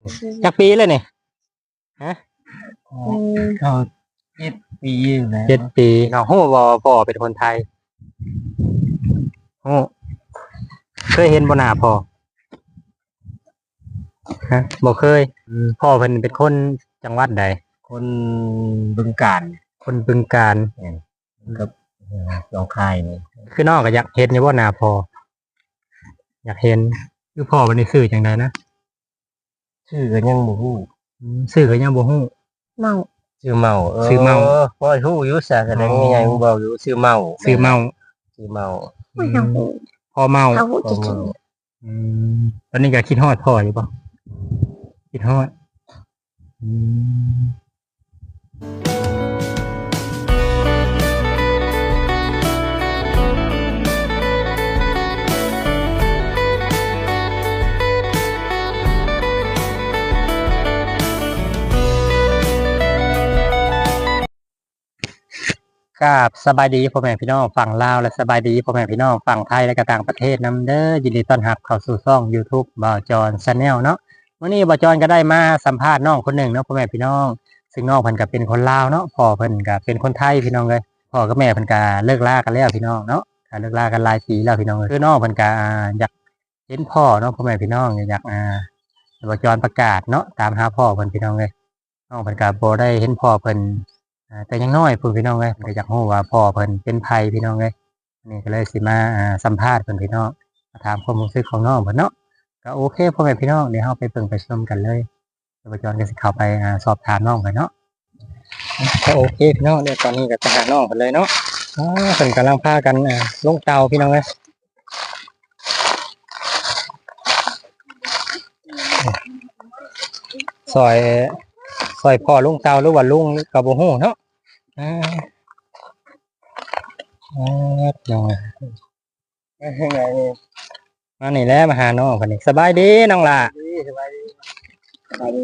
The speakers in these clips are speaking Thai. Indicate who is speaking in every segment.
Speaker 1: จักปีเลยนี่ฮะ
Speaker 2: ก็7 ปีอยู่แล้ว
Speaker 1: 7 ปีน้องฮู้บ่พ่อเป็นคนไทยฮู้เคยเห็นบ่หน้าพ่อฮะบ่เคยพ่อเพิ่นเป็นคนจังหวัดใด
Speaker 2: คนบึงกาฬ
Speaker 1: คนบึงกาฬ
Speaker 2: กับหนองคายนี่
Speaker 1: คือน้องก็อยากเห็นอยู่บ่หน้าพ่ออยากเห็นคือพ่อเพิ่นนี่ชื่อจังไดนะ
Speaker 2: ชื่อก็ยังบ่ฮู้
Speaker 1: ชื่อก็ยังบ่ฮู้
Speaker 3: เมา
Speaker 2: ชื่อเมา
Speaker 1: ชื่อเมา
Speaker 2: พ่อฮู้อยู่ซะแสดงยังไงมึงบอกอยู่ชื่อเมา
Speaker 1: ชื่อเมา
Speaker 2: ชื่อเมา
Speaker 3: ไม่ทำหู
Speaker 1: พ่อเมา
Speaker 3: เขาหูจะถึง
Speaker 1: ตอนนี้ก็คิดฮอดพ่ออยู่ป่ะคิดฮอดครับสบายดีพ่อแม่พี่น้องฝั่งลาวและสบายดีพ่อแม่พี่น้องฝั่งไทยและก็ต่างประเทศนำเด้อยินดีต้อนรับเข้าสู่ช่อง YouTube บ่าวจอน Channel เนาะวันนี้บ่าวจอนก็ได้มาสัมภาษณ์น้องคนหนึ่งเนาะพ่อแม่พี่น้องซึ่งน้องเพิ่นก็เป็นคนลาวเนาะพ่อเพิ่นก็เป็นคนไทยพี่น้องเลยพ่อกับแม่เพิ่นก็เลิกลากันแล้วพี่น้องเนาะก็เลิกลากันหลายปีแล้วพี่น้องคือน้องเพิ่นก็อยากเห็นพ่อเนาะพ่อแม่พี่น้องอยากบ่าวจอนประกาศเนาะตามหาพ่อเพิ่นพี่น้องเลยน้องเพิ่นก็บ่ได้เห็นพ่อเพิ่นแต่ยังน้อยพูดพี่น้องเลยก็อยากรู้ว่าพ่อเพิ่นเป็นไผพี่น้องเลยนี่ก็เลยสิมาสัมภาษณ์เพิ่นพี่น้องมาถามความรู้สึกของน้องเพิ่นเนาะก็โอเคพ่อแม่พี่น้องเดี๋ยวเราไปเบิ่งไปชมกันเลยเดี๋ยวบ่าวจอนก็สิเข้าไปสอบถามน้องเพิ่นเนาะก็โอเคพี่น้องเดี๋ยวตอนนี้ก็จะหาน้องเพิ่นเลยเนาะเพิ่นกำลังพากันลงเตาพี่น้องเลยซอยพ่อลุงเตาหรือว่าลุงก็บ่ฮู้เนาะน้องมานี่แหละมาหาน้องเพิ่นนี่สบายดีน้องล่ะ
Speaker 2: สบายดี
Speaker 3: ไปดี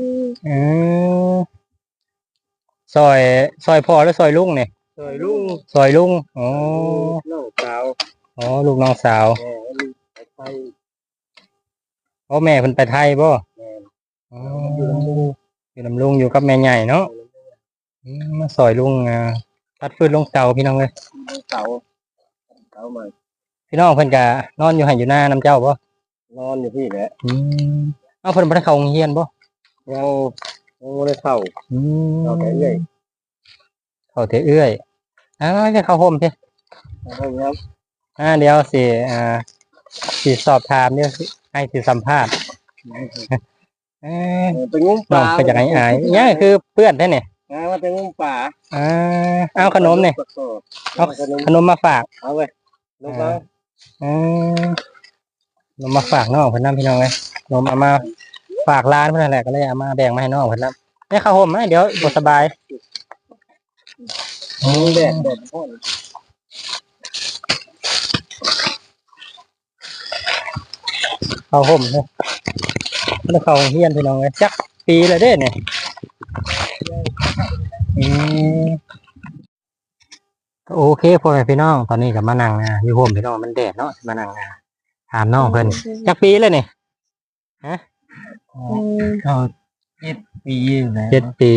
Speaker 1: ซอยพ่อหรือซอยลุงเนี่ย
Speaker 2: ซอยลุง
Speaker 1: ซอยลุงอ๋อ
Speaker 2: น้องสาว
Speaker 1: อ๋อลูกน้องสาว
Speaker 2: แม่ลูกไปไทย
Speaker 1: อ๋อแม่เพิ่นไปไทยบ่
Speaker 2: แม่
Speaker 1: อ๋ออยู่นำลุงอยู่กับแม่ใหญ่เนาะมาซอยลุงตัดฟืนลงเตาพี่น้องเลย
Speaker 2: เสามา
Speaker 1: พี่น้องเพิ่นก็นอนอยู่ให้อยู่หน้าน้ำเจ้าบ่
Speaker 2: นอนอยู่พี่แหละ
Speaker 1: เอาเพิ่นบ่ได้เข้าโรงเรียนบ่
Speaker 2: ยังบ่ได้เข้า เอาแต่เอื้อย
Speaker 1: เข้าแต่เอื้อยจะเข้าห่มสิ
Speaker 2: ครับ
Speaker 1: เดี๋ยวสิสอบถามเดี๋ยวสิให้สิสัมภาษณ์
Speaker 2: ไปงุ้มป
Speaker 1: น้อ
Speaker 2: ลาง
Speaker 1: ก็อยากให้อายเนี่ยคือเพื่อนแท้เนี่ย
Speaker 2: ว่าไปงุ้มป่า
Speaker 1: เอาขนมเนี่ยเอาขนมมาฝาก
Speaker 2: เอาไว้ลูกน้อง
Speaker 1: ขนมมาฝากน้องเพิ่นนำพี่น้องเลยขนมเอามาฝากร้านเพิ่นนั่นแหละก็เลยเอามาแบ่งมาให้น้องเพิ่นนำให้ข้าวห่มไหมเดี๋ยวบ่สบาย
Speaker 2: แดดพ่น
Speaker 1: ข้าวห่มเนี่ยแล้วเข้าโรงเรียนพี่น้องเลยจักปีเลยเด้เนี่ยโอเคพ่อแม่พี่น้องตอนนี้ก็มานั่งอยู่ห่มพี่น้องมันแดดเนาะมานั่งถามน้องเพิ่นจักปีเลยนี่ฮะ
Speaker 2: ก็7 ปีอยู่แล้ว
Speaker 1: 7 ปี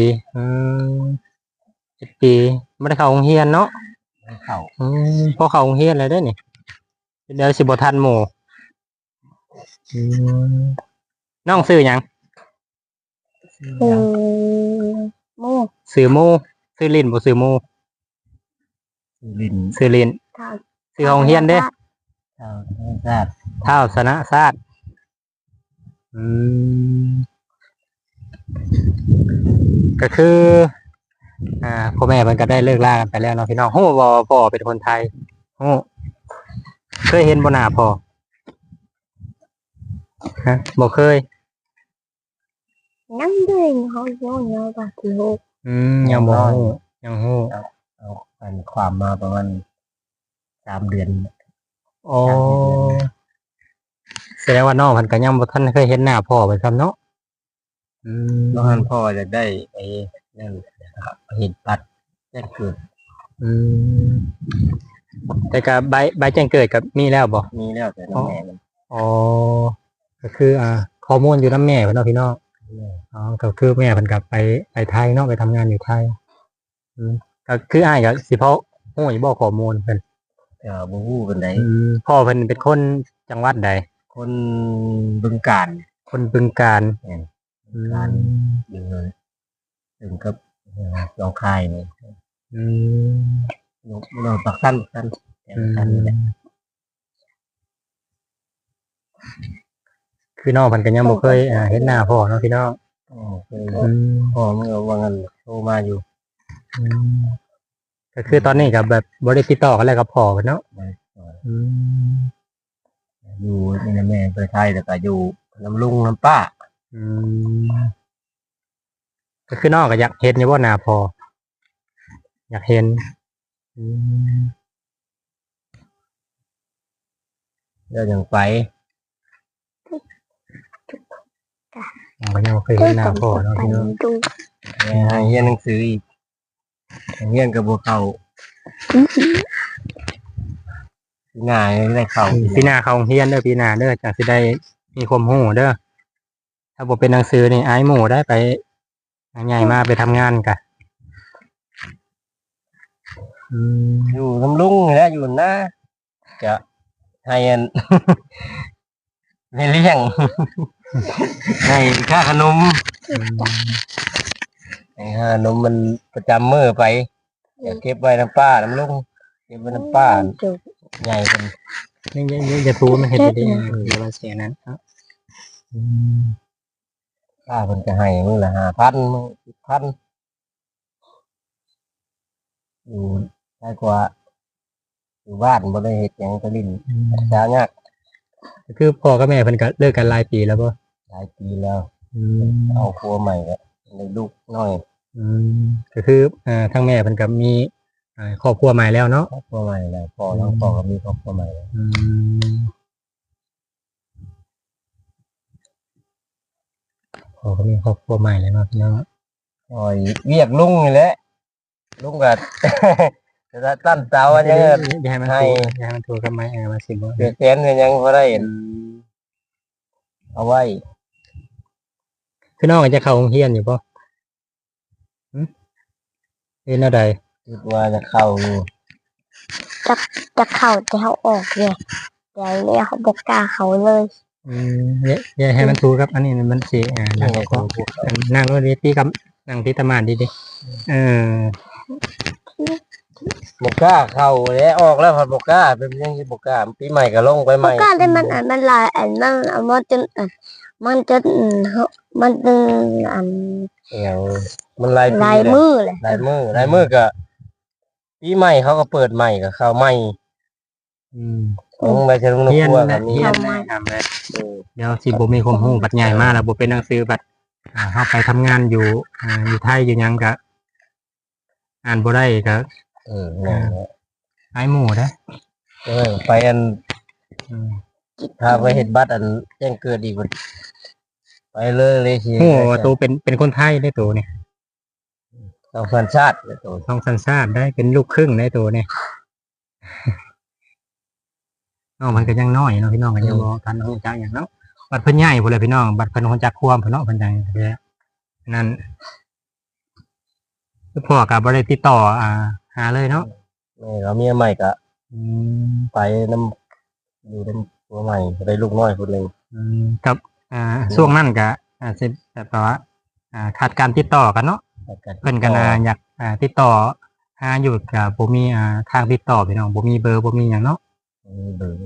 Speaker 1: 7 ปีไม่ได้เข้าโรงเรียนเนาะ
Speaker 2: เข้า
Speaker 1: พอเข้าโรงเรียนเลยได้นี่เดี๋ยวสิบ่ทันหมู่น้องซื้อหยัง
Speaker 3: มู
Speaker 1: ซื้อหมู่ซื้อลิ้นบ่ซื้อหมู่
Speaker 2: ลิน
Speaker 1: ซื้อลิ้น
Speaker 3: ทาง
Speaker 1: ซื้อโรงเรียนเด้
Speaker 2: ชาวชาติ
Speaker 1: เท่าสนะศาสตร์ก็คือพ่อแม่มันก็ได้เลิกลากันไปแล้วเนาะพี่น้องฮู้บ่พ่อเป็นคนไทยฮู้เคยเห็นบ่หน้าพ่อฮะบ่เคย
Speaker 3: นั่งด้วยเขาโยนเยอะกว่าที่หก
Speaker 1: ยังบ่ฮู้ยังฮู้
Speaker 2: เอาอันความมาประมาณ3 เดือน
Speaker 1: โอ้แสดงว่าน้องเพิ่นก็ยังบ่ทันเคยเห็นหน้าพ่อเพิ่นซ้ำเนาะ
Speaker 2: น้องฮันพ่ออยากได้ไอ้นั่นนะครับเห็นปัดแจ้งเกิด
Speaker 1: แต่ก็ใบแจ้งเกิดก็มีแล้วบ่
Speaker 2: มีแล้วแต่น้องแม่มัน
Speaker 1: อ๋อก็คือข้อมูลอยู่นำแม่เพิ่นเนาะพี่น้องอ๋อก็คือแม่เพิ่นกลับไปไทยเนาะไปทำงานอยู่ไทยก็คืออ้ายก็สิเพาะฮู้อยู่บ่ข้อมูลเพิ่น
Speaker 2: ก็บ่ฮู้ปานใด
Speaker 1: พ่อเพิ่นเป็นคนจังหวัดใด
Speaker 2: คนบึงกาฬ
Speaker 1: คนบึงกาฬ
Speaker 2: บึงกาฬอยู่เลยถึงกับหนองคายนี่
Speaker 1: อืม
Speaker 2: อยู่ปักสั้นแต่ปักสั้นนี่แหละ
Speaker 1: คือน้องเพิ่นก็ยังบ่เคยเห็นหน้าพ่อเนาะพี่น้อง
Speaker 2: เคย
Speaker 1: อืม
Speaker 2: พ่อเมื่อว่างั้นโทรมาอยู่
Speaker 1: อืมก็คือตอนนี้ก็แบบบ่ได้ติดต่อกันแล้วกับพ่อเพิ่นเนาะอืม
Speaker 2: อยู่นี่นะแม่ไปไทยแต่ก็อยู่น้ำลุงน้ำป้า
Speaker 1: อืมก็คือน้องก็อยากเห็นอยู่บ่หน้าพ่ออยากเห็นอืม
Speaker 2: แล้วยังไป
Speaker 1: น้องก็ยังบ่เคยเห็นหน้าพ่อเนาะพี่น้อง
Speaker 3: ดู
Speaker 2: ให้เรียนหนังสืออีกเรียนกับบัวเขาง่ายได้เข้า
Speaker 1: ปีหน้าเข้าโรงเรียนเด้อปีหน้าเด้อจังสิได้มีความรู้เด้อถ้าบ่เป็นหนังสือนี่อายหมู่ได้ไปใหญ่มาไปทำงานกะอืม
Speaker 2: อยู่น้ำลุงนี่แหละอยู่หน้าจะให้อัน ให้เลี้ยง ให้ค่าขนมให้ค่าขนมมันประจำมื้อไปอย่าเก็บไว้น้ำป้าน้ำลุงเก็บไว้น้ำป้า
Speaker 3: ดู
Speaker 2: ใหญ่เป็น
Speaker 1: นี่จะทูมันเห็นดีๆเดี๋ยวมันเสียนั้นครับอืม
Speaker 2: ป้าเพิ่นก็ให้มื้อละ5,000มื้อ10,000อยู่ได้กว่าอยู่บ้านบ่ได้เฮ็ดหยังก็ลิ้นช้ายาก
Speaker 1: ก็คือพ่อกับแม่เพิ่นก็เลิกกันหลายปีแล้วบ่
Speaker 2: หลายปีแล้ว
Speaker 1: อืม
Speaker 2: เอาครัวใหม่ก็ได้ลูกน้อย
Speaker 1: อืมก็คือทั้งแม่เพิ่นก็มีครอบครัวใหม่แล้วเนาะ
Speaker 2: ครอบครัวใหม่แล้วพ่อแล้วพ่อก็มีครอบครัวใหม่แล้ว
Speaker 1: อืมพ่อก็มีครอบครัวใหม่แล้วเนาะพี่น้อง
Speaker 2: โอ้ยเรียกลุงนี่แหละลุงก็ จะตั้นเตาอันยัง
Speaker 1: อย่าให้มันถูกอย่าให้มันถูกกับไม้มาสิบ่
Speaker 2: เดือดแขนกันยังพอได้เห็นเอาไว้
Speaker 1: คือน้องจะเข้าโรงเรียนอยู่บ่เรียนอะไร
Speaker 2: คิดว่าจะเข้าอยู่
Speaker 3: จะเข้าจะเขาออกเนี่ยเดี๋ยวเนี่ยเขาบอกกล้าเขาเลย
Speaker 1: อย่าให้มันถูกครับอันนี้มันสินั่งก็นั่งรถดีตีกับนั่งที่ตะมานดีๆ
Speaker 2: บกล้าเข้าแล้วออกแล้วพอบกล้าเป็นยังที่บกล้าปีใหม่ก็ลงไปให
Speaker 3: บอ
Speaker 2: ม่
Speaker 3: กกล้าได้มันมันลายมันจนมันจะมัน
Speaker 2: เอวมันลายปี
Speaker 3: ลาย
Speaker 2: เลย
Speaker 3: มือเลย
Speaker 2: ลายมือก็ปีใหม่เขาก็เปิดใหม่ก็เข้าใหม่ลงไปเชิงนก
Speaker 1: เรียน
Speaker 2: ครัว
Speaker 1: นะ
Speaker 2: ก็มี
Speaker 1: เรียนนะทำเลยเดี๋ยวสิบ่มีความรู้บัดใหญ่มากแล้วบ่เป็นหนังสือบัดเฮาไปทำงานอยู่อยู่ไทยอยู่หยังก็อ่านบ่ได้ก็
Speaker 2: เนี่ย
Speaker 1: หายหมู่เด้อ
Speaker 2: ไปอันถ้าไปเห็นบัตรอันแจ้งเกิดอีกมันไปเลยสิ
Speaker 1: โอ้ว่าตัวเป็นคนไทยได้ตัวนี่
Speaker 2: ต้องสัญชาติเลยตัว
Speaker 1: ท้องสัญชาติได้เป็นลูกครึ่งได้ตัวนี่ น้องมันก็ยังน้อยเนาะพี่น้องก็ยังบ่ทันรู้จักหยังเนาะบัดเพิ่นใหญ่พุ่นเลยพี่น้องบัดเพิ่นรู้จักความเพิ่นเนาะเพิ่นจังแล้วนั่นคือพ่อก็บ่ได้ติดต่อหาเลยเนาะ
Speaker 2: นี่เราเมียใหม่ก็
Speaker 1: อืม
Speaker 2: ไปน้ำอยู่น้ำตัวใหม่ได้ลูกน้อยคนหนึ่ง
Speaker 1: กับช่วงนั้นก็สิแบบว่าขาดการติดต่อกันเนาะเพิ่นก็อยากติดต่อหาอยู่ก็บ่มีทางติดต่อพี่น้องบ่มีเบอร์บ่มีหยังเนาะ
Speaker 2: เบอร์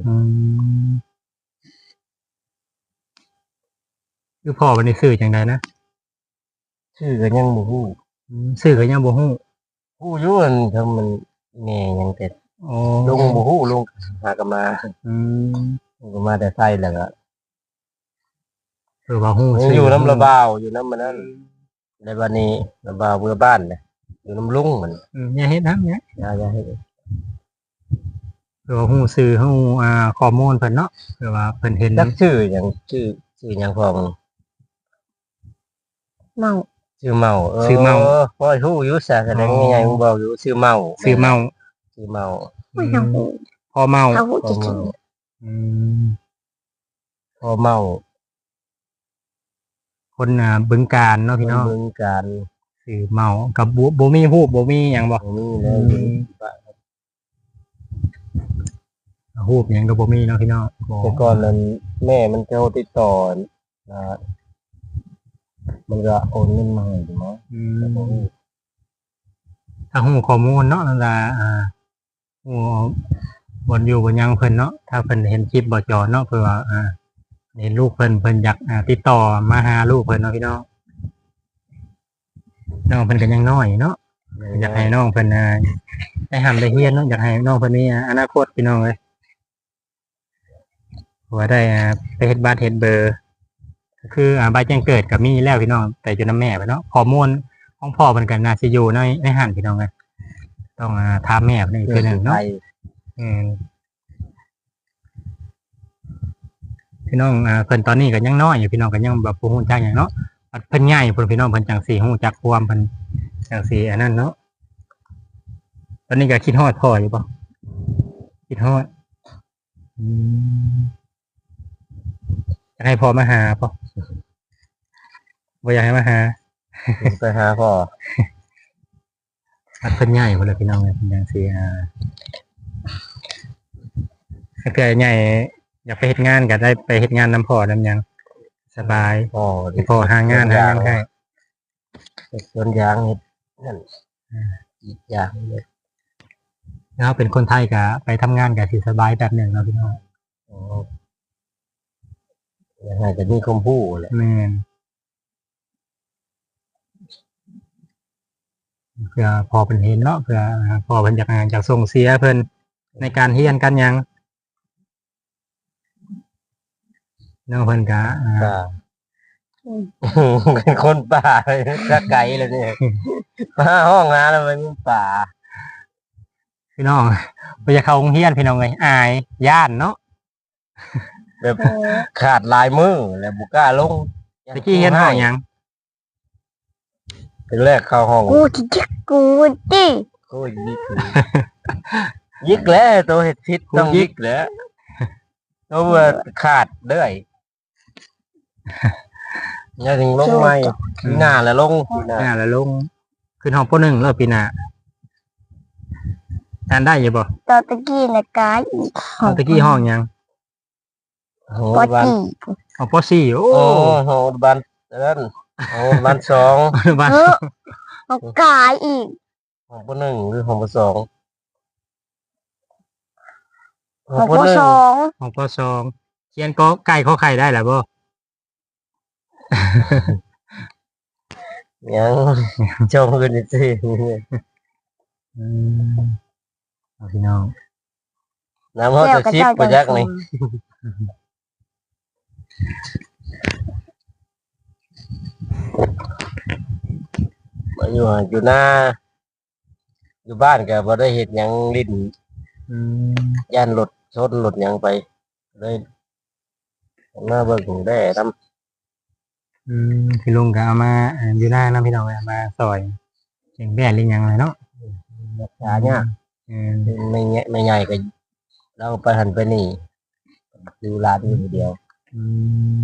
Speaker 1: คือพ่อวันนี้ซื้อจังไดนะ
Speaker 2: ชื่อก็ยังบ่ฮู้
Speaker 1: ซื้อก็ยังบ่ฮู้
Speaker 2: ฮู้อยู่มันทำมันแม่ยังแต่
Speaker 1: โอ้
Speaker 2: ลุงบ่ฮู้ลุงหากนมา
Speaker 1: อืม
Speaker 2: ลุงก็มาแต่ไส้แล้วก็
Speaker 1: คือว่าฮู้
Speaker 2: ยังอยู่น้ำระบาวอยู่น้ำมันนั่นในบ้านนี้ระบาวเบื่อบ้านเนี่ยอยู่น้ำลุงมัน
Speaker 1: อย่าเฮ็ดนะเนี่ย
Speaker 2: อย่าให้
Speaker 1: คือว่าฮู้ซื้อฮู้ข้อมูลเพิ่นเนาะคือว่าเพิ่นเห็น
Speaker 2: จักชื่ออย่างชื่อหยังพอง
Speaker 3: เมา
Speaker 2: ชื่อเมาพ่อฮู้อยู่ซะแสดงยังไงมึงบอกอยู่ชื่อเมา
Speaker 1: ซื้อเมา
Speaker 2: ชื่อเมา
Speaker 3: ไม่เอา
Speaker 1: พอเมา
Speaker 3: เขา
Speaker 2: พ่อ
Speaker 3: จะกิ
Speaker 2: เมาน
Speaker 1: อืม
Speaker 2: พ่อเมา
Speaker 1: พอคนบึงกาฬเนาะพี่น้อง
Speaker 2: เมืองการ
Speaker 1: สื่อเมากับบ่มีฮูบบ่มีหยังบ่
Speaker 2: บ่มีเลยอยู่บ้าน
Speaker 1: ฮูบหยังก็บ่มีเนาะพี่น้องบ่
Speaker 2: แต่ก่อนนั้นแม่มันโทรติดต่อนะมันก็โอนเงินมาให้ถูกไหม
Speaker 1: อื
Speaker 2: แต่บ่
Speaker 1: ม
Speaker 2: มี
Speaker 1: ถ้าฮู้ข้อมูลเนาะนั่นล่ะฮู้บ่อยู่บ่หยังเพิ่นเนาะถ้าเพิ่นเห็นคลิปบ่จอเนาะเพื่อว่าเห็นลูกเพิ่นอยากติดต่อมาหาลูกเพิ่นเนาะพี่น้องน้องเพิ่นก็ยังน้อยเนาะอยากให้น้องเพิ่นได้หำได้เฮียนเนาะอยากให้น้องเพิ่นมีอนาคตพี่น้องเอ้ยว่าได้ไปเฮ็ดบ้านเฮ็ดเบอร์ก็คือใบแจ้งเกิดก็มีแล้วพี่น้องแต่อยู่นำแม่ไปเนาะข้อมูลของพ่อเพิ่นก็น่าสิอยู่ในหันพี่น้องเอ้ยต้องถามแม่เพิ่นอีกเทื่อหนึงเนาะ พี่น้องเพิ่นตอนนี้ก็ยังน้อยอยู่พี่น้องก็ยังแบบบ่ฮู้จักหยังเนาะเพิ่นใหญ่เพิ่นพี่น้องเพิ่นจังสิฮู้จักความเพิ่นจังสิอันนั้นเนาะตอนนี้ก็คิดฮอดพ่ออยู่บ่คิดฮอดอืมอยากให้พ่อมาหาป่ะบ่อยากให้มาหา
Speaker 2: ไปหาพ่อ
Speaker 1: เพิ่นใหญ่พุ่นล่ะพี่น้องเพิ่นจังสิถ้าเกิดใหญ่อยากไปเฮ็ดงานก็ได้ไปเฮ็ดงานนํพ่อนำหยังสบาย
Speaker 2: พ่อ
Speaker 1: ให้พ่อหางานให้
Speaker 2: เฮ็ดสวนยางเฮ็ดนั่นอีกอย่างเลย
Speaker 1: แล้วเป็นคนไทยก็ไปทำงานก็สิสบายแบบหนึงเนาะพี่น้อง
Speaker 2: อ๋อยังไงจะมีคำพูดแหละ
Speaker 1: แม่นเพื่อพอเพิ่นเห็นเนาะเพื่อพอเพิ่นอยากส่งเสียเพิ่นในการเรียนกันหยังน้องเพิ่นก็
Speaker 2: ป่าเป็นคนป่าเลยถ้าไกลเลยเนี่ยมาห้องงานแล้วมันมีป่า
Speaker 1: พี่น้องบ่อยากเข้าโรงเรียนพี่น้องเอ้ยอายย้านเนาะ
Speaker 2: แบบขาดลายมือแล้วบุกล้าลง
Speaker 1: ตะกี้เรียนห้องหยัง
Speaker 2: เป็นแรกเข้าห้อง
Speaker 3: กูจะจิกกูดิ
Speaker 2: โอ้ยยิกเลยยิกแล้วตัวเห็ดพิษต้องยิกแล้วตัวว่าขาดเด้อยอย่าถึงลงไม่ปีหน้าแล้วลงปีหน้า
Speaker 1: แล้วลงขึ้นห้องป .1 แล้วปีหน้าอ่านได้อยู่บ่
Speaker 3: ตอนตะกี้นะกายอีก
Speaker 1: เอาตะกี้ห้องหยัง
Speaker 2: โห
Speaker 3: ปอ
Speaker 2: บ้าน
Speaker 3: จี
Speaker 1: ห้องป .4 โอ้
Speaker 2: โอ้โหบ้านนั่นโอ้บ้านสอง
Speaker 1: บ้าน
Speaker 3: เอากายอีก
Speaker 2: ห้องปหนึ่งหรือห้องปสอง
Speaker 3: ของ
Speaker 2: ป
Speaker 3: ผู้
Speaker 2: หนึ่ง
Speaker 3: สอง
Speaker 1: ห้องป .2 เขียนก็ไก่ขอไข่ได้แล้วบ่
Speaker 2: ยังชมกันอีกที
Speaker 1: อืมเอาพี่น้อง
Speaker 2: น้ำเขาจะชิปไปยักนี่มาอยู่หน้าอยู่บ้านก็บ่ได้เห็ดหยังลิ้น
Speaker 1: อืม
Speaker 2: ย่านรถชนรถหยังไปเลยมาเบิ่งได้ท
Speaker 1: พี่ลุงก็เอามาอยู่หน้านํพี่น้องเอามาซอยเสียงแบ่หรือหยังเลยเนาะ
Speaker 2: ำรักษาเนี่ยาก
Speaker 1: อืม
Speaker 2: ไม่ใหญ่ก็เราไปหันไปนี่ดูร้านอยู่คนเดียว
Speaker 1: อืม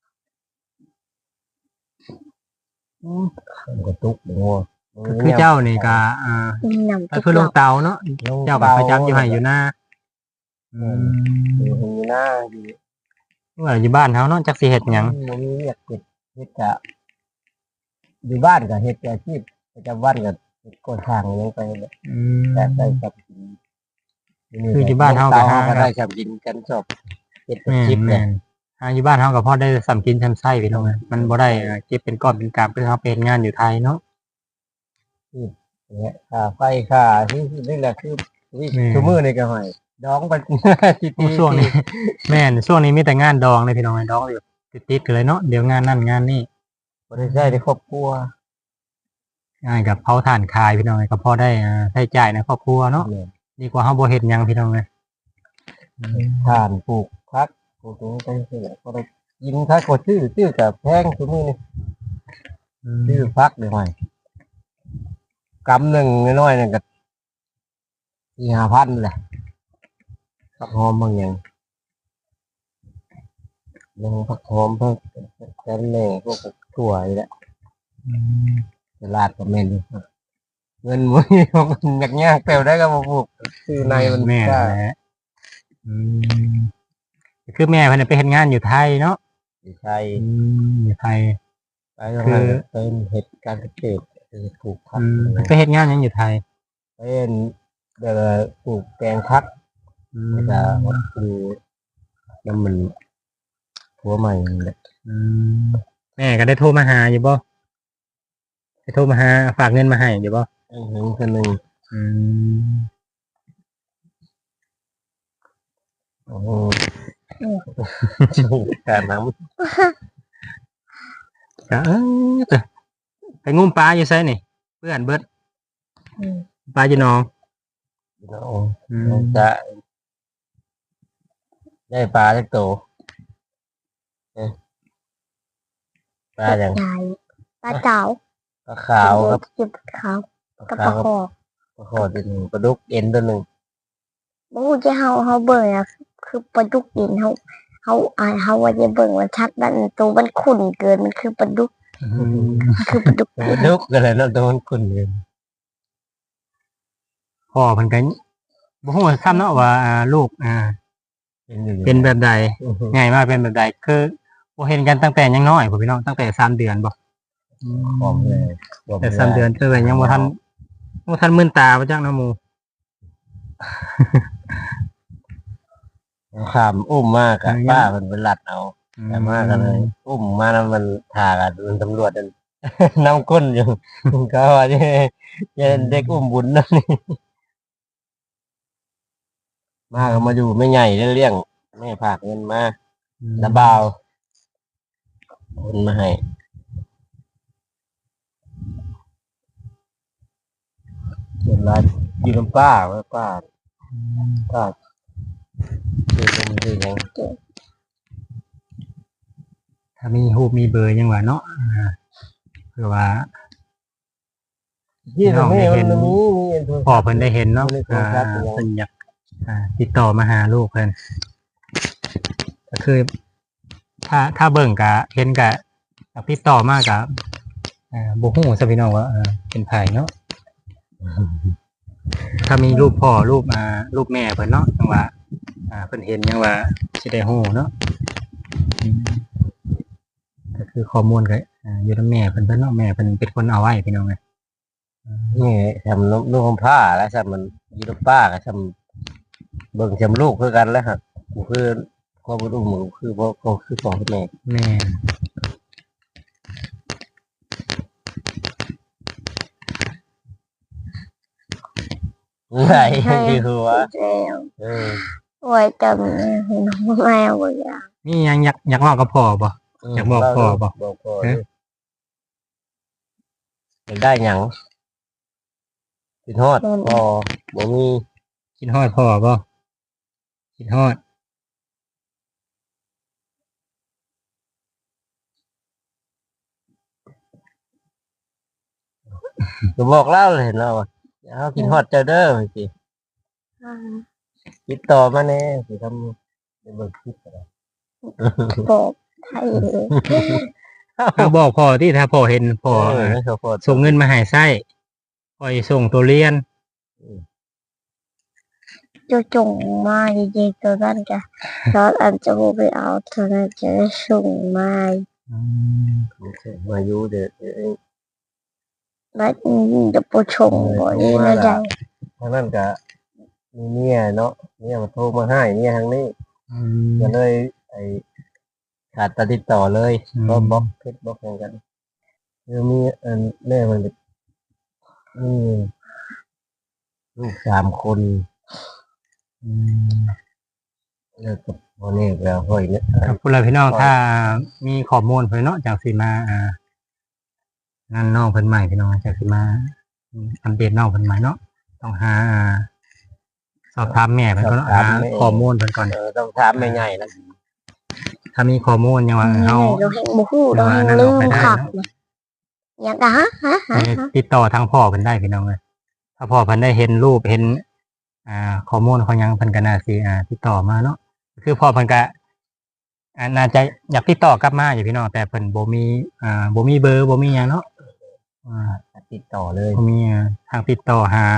Speaker 2: มันก็ตุกงัว
Speaker 1: ก็คือเจ้านี่ก็
Speaker 3: นำ
Speaker 1: ไปเพื่อลงเตาเนาะเจ้าก็ประจำอยู่ให้อยู่หน้าอืม
Speaker 2: อยู่หน้าอยู่
Speaker 1: ว่าอยู่บ้านเฮาเนาะจักสิเฮ็ดหยัง
Speaker 2: มันมีเรียกเฮ็ดกะอยู่บ้านก็เฮ็ดอาชีพประจำวันก็เฮ็ดก่อสร้างหยังไปเลย
Speaker 1: อืม
Speaker 2: แต่ได้กับกิน
Speaker 1: คือที่บ้านเฮาก็
Speaker 2: เตา
Speaker 1: หา
Speaker 2: ก็ได้กับกินกันชอบเฮ็ดอาชีพ
Speaker 1: แม่
Speaker 2: เนี่ย
Speaker 1: นอยู่บ้านเฮาก็พอได้สำกินสำไส้พี่น้องมันบ่ได้เก็บเป็นก้อนเป็นกำเพื่อเฮาไปเฮ็ดงานอยู่ไทยเนาะ
Speaker 2: เนี่ยค่าไฟค่าที่นี่แหละคือทุกมื้อนี่ก็ให้ดองไปที
Speaker 1: โอ้ช่วงนี้ แม่นช่วงนี้มีแต่งานดองเลยพี่น้องดองอยู่ติดๆกันเลยเนาะเดี๋ยวงานนั่นงานนี่
Speaker 2: บ่ได้ใช้ในครอบครัว
Speaker 1: งานกับเผาถ่านคายพี่น้องก็พอได้ใช้จ่ายในครอบครัวเนาะดีกว่าเฮาบ่เฮ็ดหยังพี่น้องเลย
Speaker 2: ทานปลูกพักปลูกตรงนี้ไปเรื่อยๆก็ได้ยิงถ้าก็ชื่อกับแพงทุกมื้อนี่ชื่อพักได้ไหมกำหนึ่งน้อยๆนี่ก็4-5,000แหละผักหอมบางอย่างยังผักหอมผักแค่แน่พวกถั่วนี่แหละตลาดก็แม่นอยู่เงินมื้อนี้มันยากๆแปลได้ก็บ่ปลูกซื้อในมัน
Speaker 1: แม่
Speaker 2: กล้า
Speaker 1: แหละอืมคือแม่เพิ่นนะไปเฮ็ดงานอยู่ไทยเนาะ
Speaker 2: อยู่ไทย
Speaker 1: อยู่ไทย
Speaker 2: ไปทางนั้นเป็นเฮ็ดการเกษตรปลูกผัก
Speaker 1: เพิ่นไปเฮ็ดงานหยังอยู่ไทย
Speaker 2: เป็นเดี๋ยวปลูกแตงพักแล้วก็วัดคือน้ำมันหัวใหม่นี่แหละ
Speaker 1: แม่ก็ได้โทรมาหาอยู่บ่ได้โทรมาหาฝากเงินมาให้อยู่บ่
Speaker 2: หนึ่งคนหนึ่ง
Speaker 1: อืม
Speaker 2: โอ้โหการน้
Speaker 1: ก็จ้ะไปงุ้มปลาอยู่ไสนี่เพื่อนเบิด
Speaker 3: อืม
Speaker 1: ปลาอยู่หนอง
Speaker 2: ำเนาะจะได้ปลาจักโตปลาอย่าง
Speaker 3: ใหญ่ปลาเก๋า
Speaker 2: ปลาขาวครับ
Speaker 3: จิบขาว
Speaker 2: ปลา
Speaker 3: กับ
Speaker 2: ขา
Speaker 3: ปลาว คอ
Speaker 2: ปลาขอตัวหนึ่งปลาดุกเอ็นตัวหนึ่ง
Speaker 3: บ่ฮู้จะเฮาเบิ่งอะคือปลาดุกดินเฮาว่าจะเบิ่งว่าชัดมันตัวมันขุ่นเกินมันคือปลาดุกมันคือปลาดุก
Speaker 2: ปลาดุกอะไรเนาะตัวมันขุ่นเงิน
Speaker 1: พ่อเพิ่นก็บ่ฮู้ซ้ำเนาะว่าลูก
Speaker 2: อยู่
Speaker 1: เป็นแบบใดง่ายมากเป็นแบบใดคือบ่เห็นกันตั้งแต่ยังน้อยพุ่นพี่น้องตั้งแต่3เดือนบ่
Speaker 2: พร้อมเลย
Speaker 1: แต่3เดือนคือว่ายังบ่ทันมื่นตาบ่จักเนาะหมู่
Speaker 2: ขามอุ้มมากอะป้ามันเป็นหลัดเอาแต่มากกันเลยอุ้มมาแล้วมันถากันมันตำรวจนั่น น้ำก้นอยู่ ก็ว่าจะเด็กอุ้มบุญนั่นนี่มาก็มาอยู่ไม่ใหญ่เลี้ยงแม่ผากเงินมาระบาวคนมาให้เห็นร้านอยู่น้ำป้าไว้ป้าคือมันคือยัง
Speaker 1: ถ้ามีรูปมีเบอร์ยังว่าเนาะเพื่อว่า
Speaker 2: ที่เราไม่เห็นมี
Speaker 1: พ่อเพิ่นได้เห็นเนาะ
Speaker 2: มีโทรศัพท์อยู่
Speaker 1: เพิ่นอยากติดต่อมาหาลูกเพิ่นก็คือ ถ้าเบิ่งกะเห็นกะอยากติดต่อมากะบ่ฮู้ซะพี่น้องว่าเป็นไผเนาะถ้ามีรูปพ่อรูปแม่เพิ่นเนาะจังว่าเพิ่นเห็นยังว่าสิได้ฮู้เนาะก็คือข้อมูลก็อยู่นำแม่เพิ่นเนาะแม่เพิ่นเป็นคนเอาไว้พี่น้อง
Speaker 2: นี่ทำนุ่งผ้าแล้วทำมันยีนป้าก็ทำเบิ่งทำลูกคือกันแล้วฮะกูคือพ่อบุญอุ้มมึงคือพ่อคือพ่อคือแม่
Speaker 1: แม่
Speaker 2: ไหนคือหัว
Speaker 3: แล้วโอ้ยจำน้องแมวบ่อยาก
Speaker 1: นี่ยังอยากเว้ากับพ่อบ่ อยากบอกพ่อบ่
Speaker 2: บอกพ่ออยากได้หยังกินฮอดพ่อบ่มี
Speaker 1: คิดฮอดพ่อบ่คิดฮอด
Speaker 2: ก็บอกเล่าเลยเห็นเราเขากินฮอดเจ้าเด้อสิ ติดต่อมาแน่สิทำในเบิกคลิปอะไร
Speaker 3: บอกไทยเลย
Speaker 1: ถ้าบอกพ่อที่ถ้าพ่อเห็นพ่อ
Speaker 2: ไม่เขาพอ
Speaker 1: ส่งเงินมาให้ไส้พ่อสิส่งตัวเรียน
Speaker 3: จะจงมาเย็นๆตัวนั้นจ้ะตอนอันจะไปเอาตัวนั้นจะได้ส่งมา
Speaker 2: มาอยู่เด็ก
Speaker 3: แล้วจะไปชงบ่นี่นะจ๊ะ
Speaker 2: ทางนั้นก็มีเนี่ยเนาะเนี่ยมาโทรมาให้เนี่ยทางนี้ก็เลยไอขาดการติดต่อเลยก็บล็อกเพชรบล็อกอย่างกันคือมีอันแม่มันลูก3 คนแล้วกับพ่อเนี่ยแล้วห้อยเนี่ย
Speaker 1: ครับผู้ใดพี่น้องถ้ามีข้อมูลเพิ่นเนาะจากสิมานั่นน้องเพิ่นใหม่พี่น้องจากสิมาอัปเดตน้องเพิ่นใหม่เนาะต้องหาสอบถามแม่เพิ่นก็เนาะหาข้อมูลเพิ่นก่อน
Speaker 2: ต้องถามไม่ง่ายนะ
Speaker 1: ถ้ามีข้อมูลยังว่าเฮา
Speaker 3: เราเห็นบ่ฮู้เราเห็นลืมขับนะอยากฮะ
Speaker 1: ติดต่อทางพ่อเพิ่นได้พี่น้องเลยถ้าพ่อเพิ่นได้เห็นรูปเห็นข้อมูลของหยังเพิ่นก็น่าสิติดต่อมาเนาะคือพ่อเพิ่นก็น่าจะอยากติดต่อกลับมาอยู่พี่น้องแต่เพิ่นบ่มีเบอร์บ่มีหยังเนาะ
Speaker 2: ติดต่อเลย
Speaker 1: บ่มีทางติดต่อหา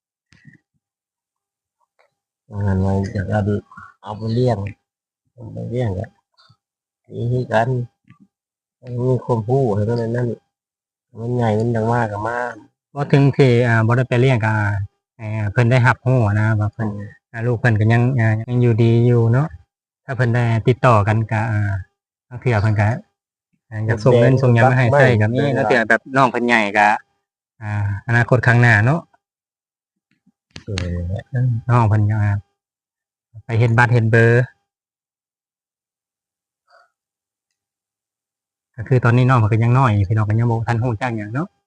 Speaker 2: งานไว้อยากเอาไปเลี้ยงกันนี่กันมีความผู้ให้มันนั่นมันใหญ่มันดังมากกับมาก
Speaker 1: บ่ถึงที่บ่ได้ไปเลี้ยงก็เพิ่นได้รับรู้นะว่าเพิ่นลูกเพิ่นก็ยังอยู่ดีอยู่เนาะถ้าเพิ่นได้ติดต่อกันก็บางเทื่อเพิ่นก็อยากส่งเงินส่งหยังมาให้ใช้ก็มีแล้วเทื่อแบบน้องเพิ่นใหญ่ก็อนาคตข้างหน้าเนาะน้องเพิ่นก็ไปเฮ็ดบัตรเฮ็ดเบอร์ก็คือตอนนี้น้องเพิ่นก็ยังน้อยอยู่พี่น้องก็ยังบ่ทันรู้จักหยังเนาะ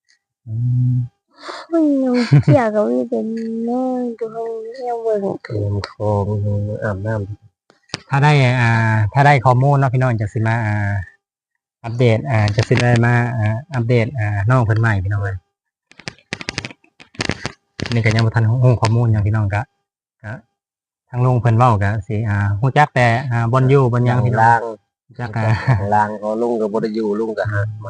Speaker 3: มันยังเกี่ยวกับวิเป็นแม่ดูยังเบิ่ง
Speaker 2: เตรียมคลองอาบน้ำ
Speaker 1: ถ้าได้ข้อมูลเนาะพี่น้องจะสิมาอัปเดตจะสิได้มาอัปเดตน้องเพิ่นใหม่พี่น้องเลยนี่ก็ยังบ่ทันรู้ข้อมูลหยังพี่น้องก็ทางลุงเพิ่นเว้าก็สิฮู้จักแต่บ่อนอยู่บ่อนหยังพี่น้อง
Speaker 2: ล่าง
Speaker 1: ฮู้จัก
Speaker 2: ล่างก็ลุงกับบไดอยู่ลุงกับหักมา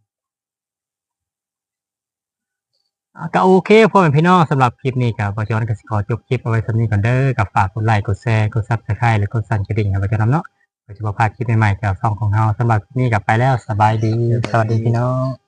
Speaker 1: ก็โอเคพ่อแม่พี่น้องสำหรับคลิปนี้ก็บ่จอนก็สิขอจบคลิปเอาไว้ส่ำนี้ก่อนเด้อก็ฝากกดไลค์กดแชร์กด Subscribe และกดสั่นกระดิ่งให้บ่จอนำเนาะเพื่อจะบ่พลาดคลิปใหม่ๆจากช่องของเราสำหรับคลิปนี้ก็ไปแล้วสบายดีสวัสดีพี่น้อง